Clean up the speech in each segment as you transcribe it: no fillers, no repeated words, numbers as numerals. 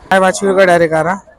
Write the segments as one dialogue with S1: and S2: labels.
S1: काय बाछी का डायरेक्ट आ रहा।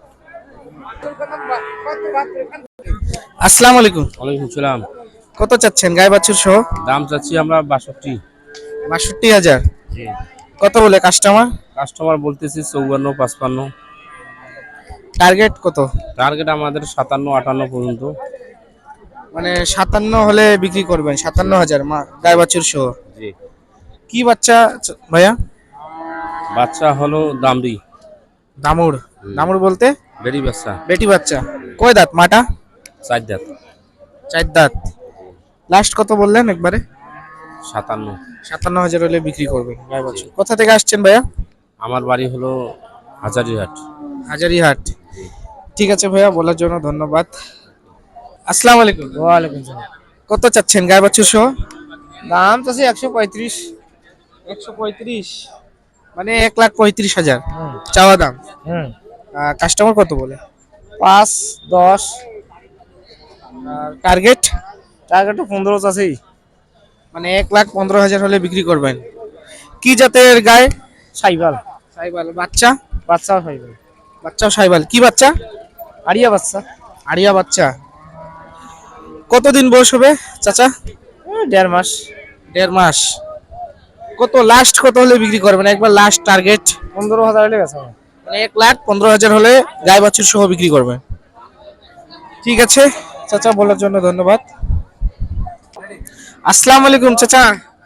S1: আসসালামু আলাইকুম।
S2: ওয়ালাইকুম সালাম।
S1: কত চাচ্ছেন গায়ে বাছুর সহ?
S2: দাম চাচ্ছি আমরা 62।
S1: ৬২,০০০।
S2: জি।
S1: কত বলে কাস্টমার?
S2: কাস্টমার বলতেছি 54, 55।
S1: টার্গেট কত?
S2: টার্গেট আমাদের 57, 58 পর্যন্ত।
S1: মানে ৫৭ হলে বিক্রি করবেন? ৫৭,০০০ গায়ে বাছুর সহ।
S2: জি।
S1: কি বাচ্চা ভাইয়া?
S2: বাচ্চা হলো দামড়ি।
S1: দামুর? দামুর বলতে?
S2: বেরি বাচ্চা।
S1: বেটি বাচ্চা। কয় দাঁত মাটা?
S2: 4 দাঁত।
S1: ৪ দাঁত। লাস্ট কত বললেন একবারে?
S2: 57।
S1: ৫৭,০০০ হলে বিক্রি করবেন গায়ে বাছুর। কোথা থেকে আসছেন ভাইয়া?
S2: আমার বাড়ি হলো হাজারিহাট।
S1: হাজারিহাট। ঠিক আছে ভাইয়া, বলার জন্য ধন্যবাদ। আসসালামু আলাইকুম।
S3: ওয়ালাইকুম সালাম।
S1: কত চাচ্ছেন গায়ে বাছুর সহ?
S3: দাম তো 135।
S1: ১৩৫, মানে ১,৩৫,০০০ চাওয়া দাম। কাস্টমার কত বলে?
S3: 5, 10।
S1: আর টার্গেট?
S3: টার্গেট 15 আছেই।
S1: মানে ১,১৫,০০০ হলে বিক্রি করবেন। কি জাতের গায়ে?
S3: সাইবাল।
S1: সাইবাল। বাচ্চা?
S3: বাচ্চাও সাইবাল।
S1: বাচ্চাও সাইবাল। কি বাচ্চা?
S3: আরিয়া বাচ্চা।
S1: আড়িয়া বাচ্চা। কতদিন বয়স হবে চাচা?
S3: 1.5 মাস।
S1: ১.৫ মাস। কত লাস্ট কত হলে বিক্রি করবেন একবার লাস্ট টার্গেট?
S3: 15,000 হলে বেচা হবে।
S1: মানে ১,১৫,০০০ হলে গায়ে বাছুর সহ বিক্রি করবেন। ঠিক আছে চাচা, বলার জন্য ধন্যবাদ। আসসালামু আলাইকুম চাচা।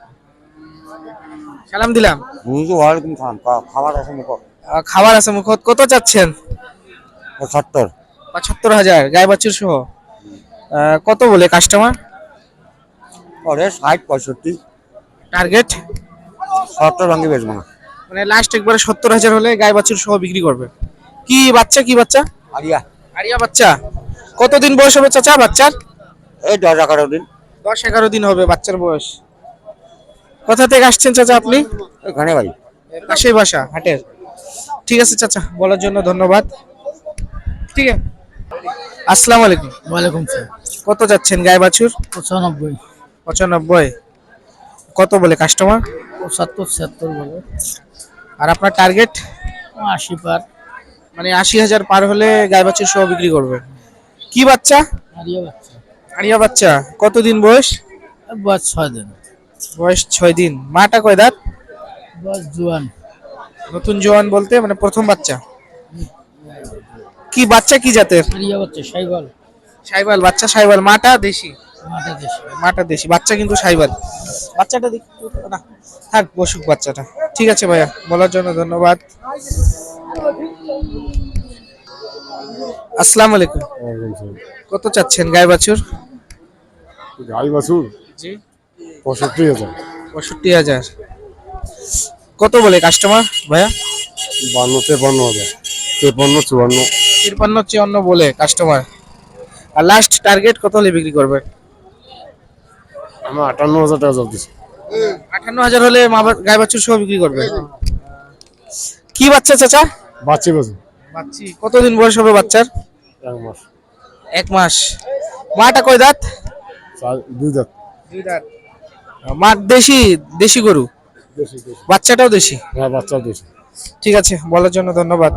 S1: সালাম দিলাম।
S4: ওয়ালাইকুম সালাম। খাবার আছে মুখ
S1: খাবার আছে মুখত। কত চাচ্ছেন?
S4: 75।
S1: ৭৫,০০০ গায়ে বাছুর সহ। কত বলে কাস্টমার?
S4: পরে 60, 65।
S1: টার্গেট?
S4: 70 ভাঙি বেচবো না।
S1: মানে লাস্ট একবারে ৭০,০০০ হলে গায়ে বাছুর সহ বিক্রি করবে। কি বাচ্চা? কি বাচ্চা?
S4: আরিয়া।
S1: আরিয়া বাচ্চা। কতদিন বয়স হবে চাচা বাচ্চার?
S4: এই 10-11 দিন।
S1: ১০-১১ দিন হবে বাচ্চার বয়স। কোথা থেকে আসছেন চাচা আপনি?
S4: এখানে ভাই।
S1: পাশেই বাসা হাটের। ঠিক আছে চাচা, বলার জন্য ধন্যবাদ। ঠিক আছে। আসসালামু আলাইকুম।
S3: ওয়ালাইকুম সালাম।
S1: কত যাচ্ছেন গায়ে বাছুর?
S3: 95,
S1: ৯৫। কত বলে কাস্টমার?
S3: 75, 76 বলে।
S1: আর আপনার টার্গেট?
S3: 80 পার।
S1: মানে ৮০,০০০ পার হলে গায়ে বাছুর সহ বিক্রি করবে। কি বাচ্চা?
S3: আরিয়া বাচ্চা।
S1: আরিয়া বাচ্চা। কতদিন বয়স?
S3: বয়স 6 দিন।
S1: বয়স ৬ দিন। মাটা কয় দাঁত?
S3: বয়স জোয়ান।
S1: নতুন জোয়ান বলতে মানে প্রথম বাচ্চা। কি বাচ্চা কি জাতের?
S3: আরিয়া বাচ্চা সাইবাল।
S1: সাইবাল বাচ্চা। সাইবাল। মাটা দেশি?
S3: মাথা দেশি।
S1: মাটা দেশি। বাচ্চা কিন্তু সাইবাল। বাচ্চাটা দেখি না, থাক বসুক বাচ্চাটা। ঠিক আছে ভাইয়া, বলার জন্য ধন্যবাদ। আসসালামু আলাইকুম। কত চাচ্ছেন গায়ে বাছুর?
S5: গাই বাছুর
S1: জি।
S5: 65,000।
S1: ৬৫,০০০। কত বলে কাস্টমার ভাইয়া?
S5: 52, 53,000। 53, 54।
S1: ৫৩, ৫৪ বলে কাস্টমার। আর লাস্ট টার্গেট কত হলে বিক্রি করবে?
S5: আমার 58,000 টাকা জব দিচ্ছে।
S1: ৫৮,০০০ হলে গায়ে বাছুর সহ বিক্রি করবে। কি বাচ্চা চাচা?
S5: বাচ্চি বাছুর
S1: বাচ্চি। কতদিন বয়স হবে বাচ্চার?
S5: 1 মাস।
S1: ১ মাস। মাটা কয় দাঁত?
S5: 2 দাঁত।
S1: ২ দাঁত। মা দেশি? দেশি গরু।
S5: দেশি দেশি।
S1: বাচ্চাটাও দেশি?
S5: হ্যাঁ, বাচ্চাও দেশি।
S1: ঠিক আছে, বলার জন্য ধন্যবাদ।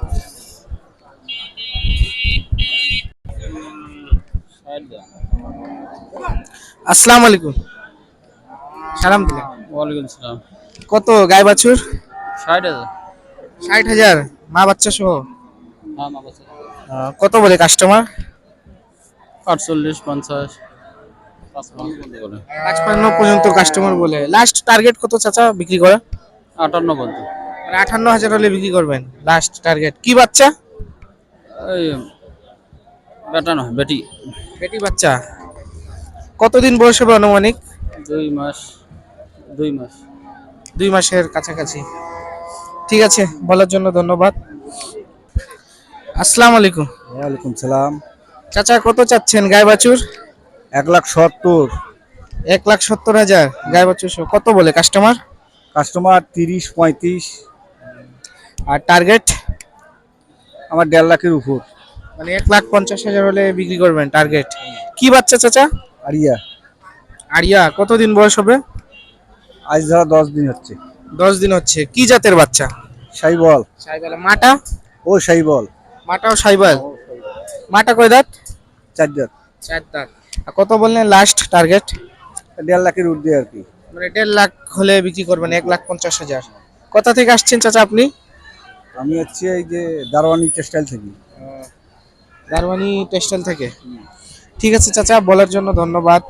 S1: আসসালামু আলাইকুম। সালাম দিলাম।
S3: ওয়ালাইকুম সালাম।
S1: কত গায়ে বাছুর?
S3: 60,000।
S1: ৬০,০০০ মা বাচ্চা সহ।
S3: হ্যাঁ মা বাচ্চা।
S1: কত বলে কাস্টমার?
S3: 48, 50, 55 বলে।
S1: ৫৫ পর্যন্ত কাস্টমার বলে। লাস্ট টার্গেট কত চাচা বিক্রি করা?
S3: 58 পর্যন্ত।
S1: মানে ৫৮,০০০ হলে বিক্রি করবেন লাস্ট টার্গেট। কি বাচ্চা?
S3: এই বেটা নয় বেটি।
S1: বেটি বাচ্চা। কতদিন বয়স হবে আনুমানিক?
S3: 2 মাস। 2 মাস।
S1: ২ মাসের কাছাকাছি। ঠিক আছে, বলার জন্য ধন্যবাদ। আসসালামু আলাইকুম।
S4: ওয়ালাইকুম সালাম।
S1: চাচা কত চাচ্ছেন গায়ে বাছুর?
S4: 1,70,000।
S1: ১,৭০,০০০ গায়ে বাছুর সহ। কত বলে কাস্টমার?
S4: কাস্টমার 30, 35।
S1: আর টার্গেট?
S4: আমার 1.5 লাখের উপর।
S1: মানে ১,৫০,০০০ হলে বিক্রি করবেন টার্গেট। কি বাচ্চা চাচা?
S4: আরিয়া।
S1: আরিয়া। কতদিন বয়স হবে?
S4: আজ ধরা 10 দিন হচ্ছে।
S1: ১০ দিন হচ্ছে। কি জাতের বাচ্চা?
S4: সাইবল।
S1: সাইবাল। মাটা?
S4: ও সাইবল
S1: মাটাও সাইবাল। মাটা কয় দাঁত?
S4: 4 দাঁত।
S1: 4 দাঁত। আর কত বললেন লাস্ট টার্গেট?
S4: 1.5 লাখের ঊর্ধ্বে আর কি।
S1: মানে 1.5 লাখ হলে বিক্রি করবেন, 1,50,000। কোথা থেকে আসছেন চাচা আপনি?
S4: আমি হচ্ছে এই যে দারোয়ানি টেক্সটাইল থেকে।
S1: দারওয়ানি টেক্সটাইল থেকে। ঠিক আছে চাচা, বলার জন্য ধন্যবাদ।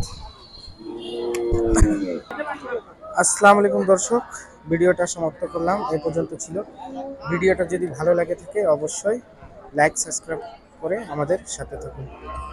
S1: আসসালামু আলাইকুম দর্শক, ভিডিওটা সমাপ্ত করলাম, এই পর্যন্ত ছিল। ভিডিওটা যদি ভালো লাগে থাকে অবশ্যই লাইক সাবস্ক্রাইব করে আমাদের সাথে থাকুন।